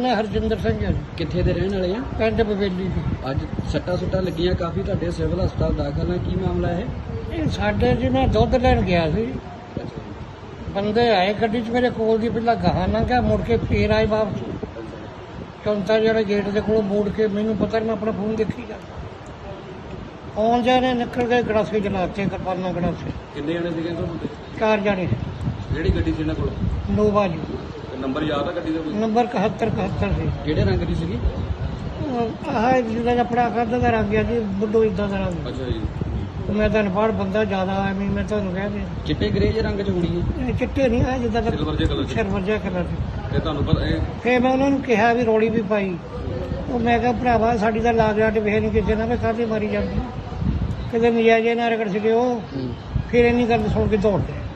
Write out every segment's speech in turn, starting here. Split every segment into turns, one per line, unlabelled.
ਨਾਂ ਹਰਜਿੰਦਰ ਸਿੰਘ ਹੈ ਜੀ।
ਕਿੱਥੇ ਦੇ ਰਹਿਣ ਵਾਲੇ ਆ?
ਪਿੰਡ ਬਵੇਲੀ ਜੀ।
ਅੱਜ ਸੱਟਾਂ ਸੁੱਟਾਂ ਲੱਗੀਆਂ ਕਾਫੀ, ਤੁਹਾਡੇ ਸਿਵਲ ਹਸਪਤਾਲ ਦਾਖਲ ਆ, ਕੀ ਮਾਮਲਾ ਹੈ?
ਇਹ ਸਾਡੇ ਜੀ ਮੈਂ ਦੁੱਧ ਲੈਣ ਗਿਆ ਸੀ, ਬੰਦੇ ਆਏ ਗੱਡੀ 'ਚ ਮੇਰੇ ਕੋਲ ਦੀ, ਪਹਿਲਾਂ ਗਾਹਾਂ ਲੰਘਿਆ, ਮੁੜ ਕੇ ਫੇਰ ਆਏ ਵਾਪਸ। ਚੌਂਤਾ ਜਿਹੜਾ ਗੇਟ ਦੇ ਕੋਲੋਂ ਮੋੜ ਕੇ, ਮੈਨੂੰ ਪਤਾ ਨਹੀਂ, ਮੈਂ ਆਪਣਾ ਫੋਨ ਦੇਖੀ ਜਾ ਆਉਣ ਜਾਣੇ ਨਿਕਲ ਗਏ, ਗੜਾਸੇ ਚਲਾਤੇ, ਕਿਰਪਾਨਾਂ ਗੜਾਸੇ।
ਕਿੰਨੇ ਜਣੇ ਸੀਗੇ ਤੁਹਾਡੇ?
4 ਜਾਣੇ।
ਜਿਹੜੀ ਗੱਡੀ ਸੀ ਇਹਨਾਂ ਕੋਲ?
ਨੋਵਾ ਜੀ।
ਨੰਬਰ ਯਾਦ ਆ ਗੱਡੀ ਦਾ ਕੋਈ?
ਨੰਬਰ 71 ਸੀ।
ਕਿਹੜੇ ਰੰਗ ਦੀ ਸੀਗੀ?
ਆਹ ਜਿਹੜਾ ਆਪਣਾ ਖਾਦਾ ਦਾ ਰੰਗ ਆ ਜੀ, ਬੁੱਢੋ ਇਦਾਂ ਦਾ ਰੰਗ।
ਅੱਛਾ ਜੀ।
ਮੈਂ ਤਾਂ ਅਨਪੜ੍ਹ ਬੰਦਾ ਜ਼ਿਆਦਾ ਐਵੇਂ ਮੈਂ ਤੁਹਾਨੂੰ ਕਹਿ ਦਿਆਂ।
ਚਿੱਟੇ ਗ੍ਰੇ ਜਿਹੇ ਰੰਗ 'ਚ ਹੋਣੀ ਹੈ?
ਇਹ ਚਿੱਟੇ ਨਹੀਂ ਆ, ਜਿੱਦਾਂ ਦਾ
ਸਿਲਵਰ ਜਿਹੇ ਕਲਰ 'ਚ।
ਸਿਲਵਰ ਜਿਹਾ ਕਲਰ ਚ।
ਤੇ ਤੁਹਾਨੂੰ ਪਤਾ ਇਹ
ਫੇਰ ਮੈਂ ਉਹਨਾਂ ਨੂੰ ਕਿਹਾ ਵੀ ਰੌਲੀ ਵੀ ਪਾਈ, ਉਹ ਮੈਂ ਕਿਹਾ ਭਰਾਵਾ ਸਾਡੀ ਤਾਂ ਲਾਗ ਲਾਟ ਵੇਖ ਨਹੀਂ ਕਿਸੇ ਨਾਲ ਵੀ ਕਾਹਦੇ ਮਾਰੀ ਜਾਂਦੀ, ਕਿਤੇ ਨਜਾਇਜ਼ ਨਾ ਰਗੜ ਸਕਿਓ। ਫਿਰ ਇੰਨੀ ਗੱਲ ਸੁਣ ਕੇ ਦੌੜ ਗਏ,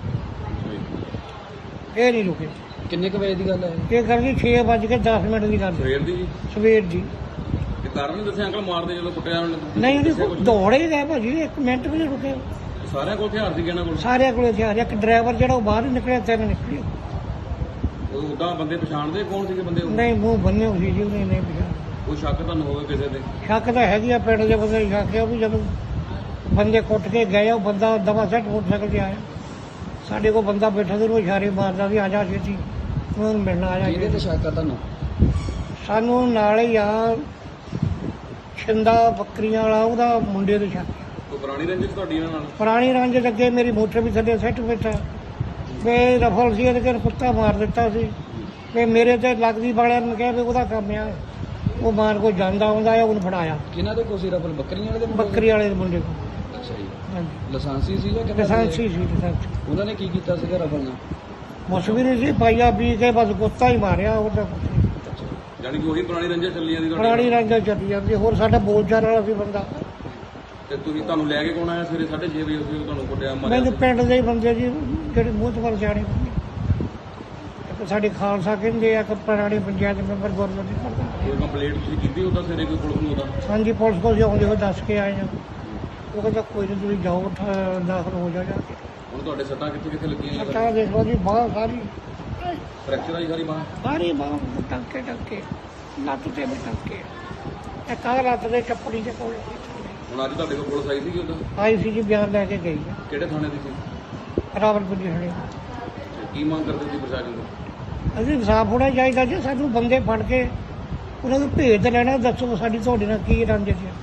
ਇਹ ਨਹੀਂ ਰੁਕੇ।
ਕਿੰਨੇ ਕੁ ਵਜੇ ਦੀ ਗੱਲ ਹੈ?
ਇਹ ਗੱਲ ਜੀ 6:10 ਦੀ ਗੱਲ।
ਸਵੇਰ ਦੀ ਜੀ?
ਸਵੇਰ ਦੀ।
ਤੇ ਕਾਰਨ ਨਹੀਂ ਦੱਸਿਆ ਅੰਕਲ ਮਾਰਦੇ ਜਦੋਂ ਕੁੱਟਿਆ?
ਨਹੀਂ ਉਹਦੀ ਦੌੜ ਹੀ ਗਏ ਭਾਜੀ, 1 ਮਿੰਟ ਵੀ ਨਹੀਂ ਰੁਕੇ।
ਸਾਰਿਆਂ ਕੋਲ ਹਥਿਆਰ ਸੀ ਇਹਨਾਂ ਕੋਲ?
ਸਾਰਿਆਂ ਕੋਲ ਹਥਿਆਰ। ਇੱਕ ਡਰਾਈਵਰ ਜਿਹੜਾ ਉਹ ਬਾਹਰ ਹੀ ਨਿਕਲਿਆ, 3 ਨਿਕਲੇ।
ਉਹ ਉਦਾਂ ਬੰਦੇ ਪਛਾਣਦੇ ਕੌਣ ਸੀਗੇ ਬੰਦੇ?
ਨਹੀਂ, ਮੂੰਹ ਬੰਨੇ ਹੋਈ ਸੀ ਜੀ, ਉਹਨੇ ਨਹੀਂ ਪਛਾਣ।
ਕੋਈ ਸ਼ੱਕ ਤੁਹਾਨੂੰ ਹੋਵੇ ਕਿਸੇ ਤੇ?
ਸ਼ੱਕ ਤਾਂ ਹੈਗੀ ਆ, ਪਿੰਡ ਦੇ ਬੰਦੇ ਨੂੰ ਸ਼ੱਕ ਆ ਵੀ ਜਦੋਂ ਬੰਦੇ ਕੁੱਟ ਕੇ ਗਏ, ਉਹ ਬੰਦਾ ਦਵਾ ਸੱਟ ਮੋਟਰਸਾਈਕਲ 'ਤੇ ਆਇਆ, ਸਾਡੇ ਕੋਲ ਬੰਦਾ ਬੈਠਾ ਤੇ ਉਹ ਇਸ਼ਾਰੇ ਮਾਰਦਾ ਵੀ ਆ ਜਾ ਛੇਤੀ, ਉਹਨਾਂ ਨੂੰ ਮਿਲਣਾ ਆ ਜਾ।
ਕਿਹਦੇ ਤੇ ਸ਼ੱਕ ਆ ਤੁਹਾਨੂੰ?
ਸਾਨੂੰ ਨਾਲ ਹੀ ਆ ਛਿੰਦਾ ਬੱਕਰੀਆਂ ਵਾਲਾ, ਉਹਦਾ ਮੁੰਡੇ ਦੇ ਸ਼ੱਕ।
ਕੋਈ ਪੁਰਾਣੀ ਰੰਜਿਸ਼ ਤੁਹਾਡੀ ਇਹਨਾਂ ਨਾਲ?
ਪੁਰਾਣੀ ਰੰਜ ਅੱਗੇ ਮੇਰੀ ਮੋਟਰ ਵੀ ਥੱਲੇ ਸੱਟ ਬੈਠਾ, ਵੇ ਰਫਲ ਸੀ ਇਹਦੇ ਕੋਲ, ਕੁੱਤਾ ਮਾਰ ਦਿੱਤਾ ਸੀ। ਵੇ ਮੇਰੇ ਤੇ ਲੱਗਦੀ ਵਾਲਿਆਂ ਨੂੰ ਕਿਹਾ ਵੀ ਉਹਦਾ ਕੰਮ ਆ, ਉਹ ਮਾਰ ਕੋ ਜਾਂਦਾ ਆਉਂਦਾ ਆ, ਉਹਨੂੰ ਫੜਾਇਆ।
ਕਿਹਨਾਂ ਦੇ ਕੋਲ ਸੀ ਰਫਲ? ਬੱਕਰੀਆਂ ਵਾਲੇ ਦੇ ਮੁੰਡੇ?
ਬੱਕਰੀ ਵਾਲੇ ਦੇ ਮੁੰਡੇ ਕੋਲ।
ਅੱਛਾ ਜੀ।
ਹਾਂਜੀ,
ਲਾਇਸੈਂਸੀ ਸੀ ਜਾਂ ਕਿੱਦਾਂ?
ਲਾਇਸੈਂਸੀ ਸੀ ਲਾਇਸੈਂਸ।
ਉਹਨਾਂ ਨੇ ਕੀ ਕੀਤਾ ਸੀਗਾ ਰਫਲ ਨਾਲ?
ਮੌਸਮੀ ਨਹੀਂ ਸੀ, ਪਾਈਆ ਪੀ ਕੇ ਬਸ ਕੁੱਤਾ ਹੀ ਮਾਰਿਆ, ਉਹਦਾ ਕੁਛ ਨਹੀਂ।
ਯਾਨੀ ਕਿ ਉਹੀ ਪੁਰਾਣੀ ਰੰਜਿਸ਼ ਚੱਲੀ ਜਾਂਦੀ ਤੁਹਾਡੀ?
ਪੁਰਾਣੀ ਰੰਗ ਚੱਲੀ ਜਾਂਦੀ, ਹੋਰ ਸਾਡਾ ਬੋਲਚਾਲ ਵਾਲਾ ਸੀ ਬੰਦਾ।
ਤੇ ਤੁਸੀਂ ਤੁਹਾਨੂੰ ਲੈ ਕੇ ਕੌਣ ਆਇਆ ਸਵੇਰੇ 6:30 ਵਜੇ? ਉਸ ਤੁਹਾਨੂੰ ਕੁੱਟਿਆ ਮਾਰਿਆ?
ਮੈਨੂੰ ਪਿੰਡ ਦੇ ਹੀ ਬੰਦੇ ਜੀ, ਜਿਹੜੇ ਮੂੰਹ ਤੋਂ ਵੱਲ ਜਾਣੇ, ਇੱਕ ਸਾਡੇ ਖਾਲਸਾ ਕਹਿੰਦੇ ਆ, ਇੱਕ ਪੁਰਾਣੀ ਪੰਚਾਇਤ ਮੈਂਬਰ ਗੁਰਮਤਿ ਕਰਦਾ।
ਕੋਈ ਕੰਪਲੇਂਟ ਤੁਸੀਂ ਕੀਤੀ ਉਹਦਾ ਸਵੇਰੇ ਕੋਈ ਪੁਲਿਸ ਨੂੰ? ਉਹਦਾ
ਹਾਂਜੀ, ਪੁਲਿਸ ਕੋਲ ਆਉਂਦੇ ਹੋਏ ਦੱਸ ਕੇ ਆਏ ਆ, ਉਹ ਕਹਿੰਦਾ ਕੋਈ ਨਹੀਂ ਤੁਸੀਂ ਜਾਓ, ਦਾਖਲ ਹੋ ਜਾ ਜਾ ਕੇ।
ਹੁਣ ਤੁਹਾਡੇ ਸੱਟਾਂ ਕਿੱਥੇ ਕਿੱਥੇ ਲੱਗੀਆਂ?
ਸੱਟਾਂ ਦੇਖ ਲਓ ਜੀ, ਬਾਹ ਸਾਰੀ,
ਫ੍ਰੈਕਚਰ ਆਈ ਸਾਰੀ ਬਾਂਹ?
ਸਾਰੀ ਬਾਹ ਟੰਕੇ ਟੰਕੇ, ਲੱਤ ਤੇ ਵੀ ਟੰਕੇ, ਇੱਕ ਆਹ ਲੱਤ ਦੇ ਚੱਪੜੀ ਦੇ ਕੋਲ।
ਹੁਣ ਅੱਜ ਤੁਹਾਡੇ ਕੋਲ ਪੁਲਿਸ ਆਈ ਸੀਗੀ ਉਦੋਂ?
ਆਈ ਸੀ ਜੀ, ਬਿਆਨ ਲੈ ਕੇ ਗਈ ਆ।
ਕਿਹੜੇ ਥਾਣੇ ਦੀ ਸੀ?
ਰਾਵਲਪਿੰਡੀ ਹਣੇ।
ਤੇ ਕੀ ਮੰਗ ਕਰਦੇ ਸੀ ਪ੍ਰਸ਼ਾਸਨ ਤੋਂ?
ਅਸੀਂ ਇਨਸਾਫ ਹੋਣਾ ਚਾਹੀਦਾ ਜੀ, ਸਾਨੂੰ ਬੰਦੇ ਫੜ ਕੇ ਉਹਨਾਂ ਨੂੰ ਭੇਜ ਲੈਣਾ, ਦੱਸੋ ਸਾਡੀ ਤੁਹਾਡੇ ਨਾਲ ਕੀ ਰੰਜਿਸ਼ ਹੈ।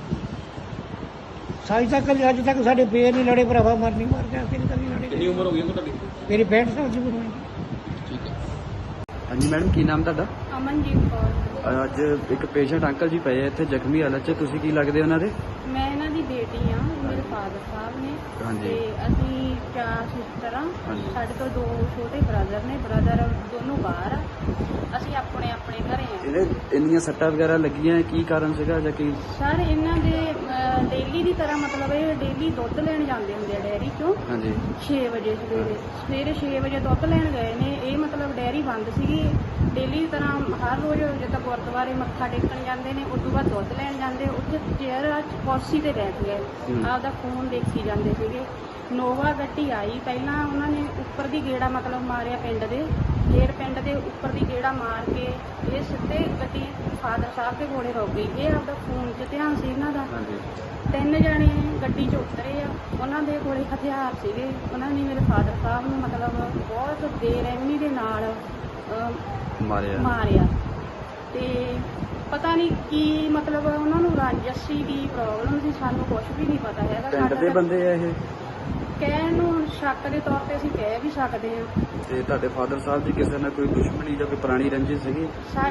ਅੱਜ ਤੱਕ ਸਾਡੇ ਪੇਰ ਨਹੀਂ ਲੜੇ, ਭਰਾਵਾ ਮਰਨੀ ਮਰ ਗਿਆ, ਫਿਰ ਕਦੀ ਲੜੇ।
ਕਿੰਨੀ ਉਮਰ ਹੋ ਗਈ ਤੁਹਾਡੀ?
ਮੇਰੀ 65 ਸਾਲ ਦੀ ਉਮਰ ਹੈ।
ਠੀਕ ਹੈ। ਹਾਂਜੀ ਮੈਡਮ, ਕੀ ਨਾਮ ਤੁਹਾਡਾ?
ਅਮਨਜੀਤ ਕੌਰ।
ਅੱਜ ਇੱਕ ਪੇਸ਼ੈਂਟ ਅੰਕਲ ਜੀ ਪਏ ਆ ਇੱਥੇ ਜ਼ਖਮੀ ਹਾਲਤ 'ਚ, ਤੁਸੀਂ ਕੀ ਲੱਗਦੇ ਉਹਨਾਂ ਦੇ?
ਮੈਂ ਇਹਨਾਂ ਦੀ ਬੇਟੀ ਆ, ਮੇਰੇ ਫਾਦਰ ਸਾਹਿਬ ਨੇ।
ਹਾਂਜੀ।
ਤੇ ਅਸੀਂ 4 ਸਿਸਟਰ ਆ।
ਹਾਂਜੀ।
ਸਾਡੇ ਤੋਂ 2 ਛੋਟੇ ਬ੍ਰਦਰ ਨੇ, ਬ੍ਰਦਰ ਦੋਨੋਂ ਬਾਹਰ ਆ, ਅਸੀਂ ਆਪਣੇ ਆਪਣੇ ਘਰੇ ਆ।
ਇਹਦੇ ਇੰਨੀਆਂ ਸੱਟਾਂ ਵਗੈਰਾ ਲੱਗੀਆਂ, ਕੀ ਕਾਰਨ ਸੀਗਾ ਜਾਂ ਕੀ?
ਸਰ ਇਹਨਾਂ ਦੇ ਡੇਲੀ ਦੀ ਤਰ੍ਹਾਂ, ਮਤਲਬ ਇਹ ਡੇਲੀ ਦੁੱਧ ਲੈਣ ਜਾਂਦੇ ਹੁੰਦੇ ਆ ਡੈਰੀ ਚੋਂ।
ਹਾਂਜੀ।
6 ਵਜੇ ਸਵੇਰੇ 6 ਵਜੇ ਦੁੱਧ ਲੈਣ ਗਏ ਨੇ। ਇਹ ਮਤਲਬ ਡੈਰੀ ਬੰਦ ਸੀਗੀ, ਡੇਲੀ ਦੀ ਤਰ੍ਹਾਂ ਹਰ ਰੋਜ਼ ਜਿੱਦਾਂ ਗੁਰਦੁਆਰੇ ਮੱਥਾ ਟੇਕਣ ਜਾਂਦੇ ਨੇ, ਉਸ ਤੋਂ ਬਾਅਦ ਦੁੱਧ ਲੈਣ ਜਾਂਦੇ, ਉੱਥੇ ਚੇਅਰ ਕੁਰਸੀ ਤੇ ਬੈਠ ਗਏ, ਆਪਦਾ ਫੋਨ ਦੇਖੀ ਜਾਂਦੇ ਸੀਗੇ। ਨੋਵਾ ਗੱਡੀ ਆਈ, ਪਹਿਲਾਂ ਉਹਨਾਂ ਨੇ ਉੱਪਰ ਦੀ ਗੇੜਾ ਮਤਲਬ ਮਾਰਿਆ ਪਿੰਡ ਦੇ, ਫੇਰ ਪਿੰਡ ਦੇ ਉੱਪਰ ਦੀ ਗੇੜਾ ਮਾਰ ਕੇ ਇਹ ਸਿੱਧੇ ਗੱਡੀ ਫਾਦਰ ਸਾਹਿਬ ਦੇ ਕੋਲੇ ਰੁਕ ਗਈ। ਇਹ ਆਪਦਾ ਫੋਨ 'ਚ ਧਿਆਨ ਸੀ ਇਹਨਾਂ ਦਾ। 3 ਜਣੇ ਗੱਡੀ 'ਚ ਉਤਰੇ ਆ, ਉਹਨਾਂ ਦੇ ਕੋਲੇ ਹਥਿਆਰ ਸੀਗੇ। ਉਹਨਾਂ ਨੇ ਮੇਰੇ ਫਾਦਰ ਸਾਹਿਬ ਨੂੰ ਮਤਲਬ ਬਹੁਤ ਬੇਰਹਿਮੀ ਦੇ ਨਾਲ ਮਾਰਿਆ। ਤੇ ਪਤਾ ਨਹੀਂ ਕੀ ਮਤਲਬ ਉਹਨਾਂ ਨੂੰ ਰਾਜਸੀ ਦੀ ਪ੍ਰੋਬਲਮ ਸੀ, ਸਾਨੂੰ ਕੁਝ ਵੀ ਨਹੀਂ ਪਤਾ ਹੈਗਾ।
ਪਿੰਡ ਦੇ ਬੰਦੇ ਆ ਇਹ?
ਕਹਿਣ ਨੂੰ ਸ਼ੱਕ ਦੇ ਤੌਰ ਤੇ ਅਸੀਂ ਕਹਿ ਵੀ ਸਕਦੇ ਹਾਂ।
ਤੇ ਤੁਹਾਡੇ ਫਾਦਰ ਸਾਹਿਬ ਦੀ ਕਿਸੇ ਨਾਲ ਕੋਈ ਦੁਸ਼ਮਣੀ ਜਾਂ ਕੋਈ ਪੁਰਾਣੀ ਰੰਜਿਸ਼ ਸੀਗੀ?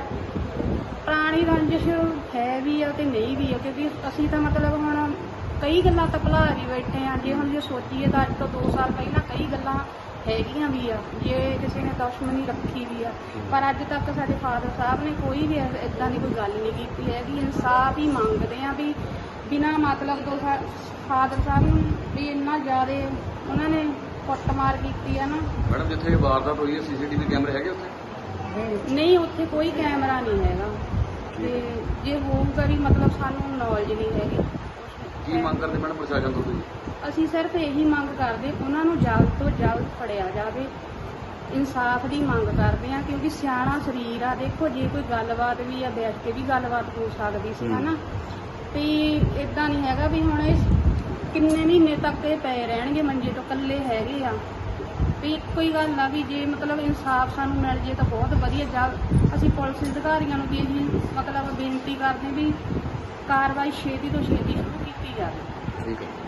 ਪੁਰਾਣੀ ਰੰਜਿਸ਼ ਹੈ ਵੀ ਆ ਤੇ ਨਹੀਂ ਵੀ ਆ, ਕਿਉਂਕਿ ਅਸੀਂ ਤਾਂ ਮਤਲਬ ਹੁਣ ਕਈ ਗੱਲਾਂ ਤਾਂ ਭੁਲਾ ਵੀ ਬੈਠੇ ਆ। ਜੇ ਸੋਚੀਏ ਤਾਂ ਅੱਜ ਤੋਂ 2 ਸਾਲ ਪਹਿਲਾਂ ਕਈ ਗੱਲਾਂ ਹੈਗੀਆਂ ਵੀ ਆ, ਜੇ ਕਿਸੇ ਨੇ ਦੁਸ਼ਮਣੀ ਰੱਖੀ ਵੀ ਆ, ਪਰ ਅੱਜ ਤੱਕ ਸਾਡੇ ਫਾਦਰ ਸਾਹਿਬ ਨੇ ਕੋਈ ਵੀ ਇਦਾਂ ਦੀ ਕੋਈ ਗੱਲ ਨਹੀਂ ਕੀਤੀ ਹੈਗੀ। ਇਨਸਾਫ ਹੀ ਮੰਗਦੇ ਆ ਵੀ ਬਿਨਾਂ ਮਤਲਬ ਤੋਂ। ਫਾਦਰ ਸਾਹਿਬ ਨੂੰ ਵੀ ਇੰਨਾ ਜ਼ਿਆਦਾ ਉਹਨਾਂ ਨੇ ਕੁੱਟਮਾਰ ਕੀਤੀ ਆ ਨਾ।
ਮੈਡਮ, ਜਿੱਥੇ ਇਹ ਵਾਰਦਾਤ ਹੋਈ ਹੈ ਸੀਸੀਟੀਵੀ ਕੈਮਰੇ ਹੈਗੇ ਉੱਥੇ?
ਨਹੀਂ, ਉੱਥੇ ਕੋਈ ਕੈਮਰਾ ਨਹੀਂ ਹੈਗਾ, ਤੇ ਜੇ ਹੋਊਗਾ ਵੀ ਮਤਲਬ ਸਾਨੂੰ ਨੌਲੇਜ ਨਹੀਂ ਹੈਗੀ।
ਕੀ ਮੰਗ ਕਰਦੇ ਮੈਡਮ ਪ੍ਰਸ਼ਾਸਨ ਤੋਂ ਤੁਸੀਂ?
ਅਸੀਂ ਸਿਰਫ ਇਹੀ ਮੰਗ ਕਰਦੇ, ਉਹਨਾਂ ਨੂੰ ਜਲਦ ਤੋਂ ਜਲਦ ਫੜਿਆ ਜਾਵੇ ਇਨਸਾਫ ਦੀ ਮੰਗ ਕਰਦੇ ਆ, ਕਿਉਂਕਿ ਸਿਆਣਾ ਸਰੀਰ ਆ। ਦੇਖੋ ਜੇ ਕੋਈ ਗੱਲਬਾਤ ਵੀ ਆ, ਬੈਠ ਕੇ ਵੀ ਗੱਲਬਾਤ ਹੋ ਸਕਦੀ ਸੀ ਹਨਾ, ਤੇ ਇਦਾਂ ਨਹੀਂ ਹੈਗਾ ਵੀ ਹੁਣ ਇਹ ਕਿੰਨੇ ਮਹੀਨੇ ਤੱਕ ਇਹ ਪਏ ਰਹਿਣਗੇ ਮੰਜੇ ਤੋਂ, ਇਕੱਲੇ ਹੈਗੇ ਆ। ਤੇ ਇੱਕੋ ਹੀ ਗੱਲ ਆ ਵੀ ਜੇ ਮਤਲਬ ਇਨਸਾਫ ਸਾਨੂੰ ਮਿਲ ਜੇ ਤਾਂ ਬਹੁਤ ਵਧੀਆ। ਜਦ ਅਸੀਂ ਪੁਲਿਸ ਅਧਿਕਾਰੀਆਂ ਨੂੰ ਵੀ ਇਹੀ ਮਤਲਬ ਬੇਨਤੀ ਕਰਦੇ ਵੀ ਕਾਰਵਾਈ ਛੇਤੀ ਤੋਂ ਛੇਤੀ ਸ਼ੁਰੂ ਕੀਤੀ ਜਾਵੇ।
ਠੀਕ ਹੈ।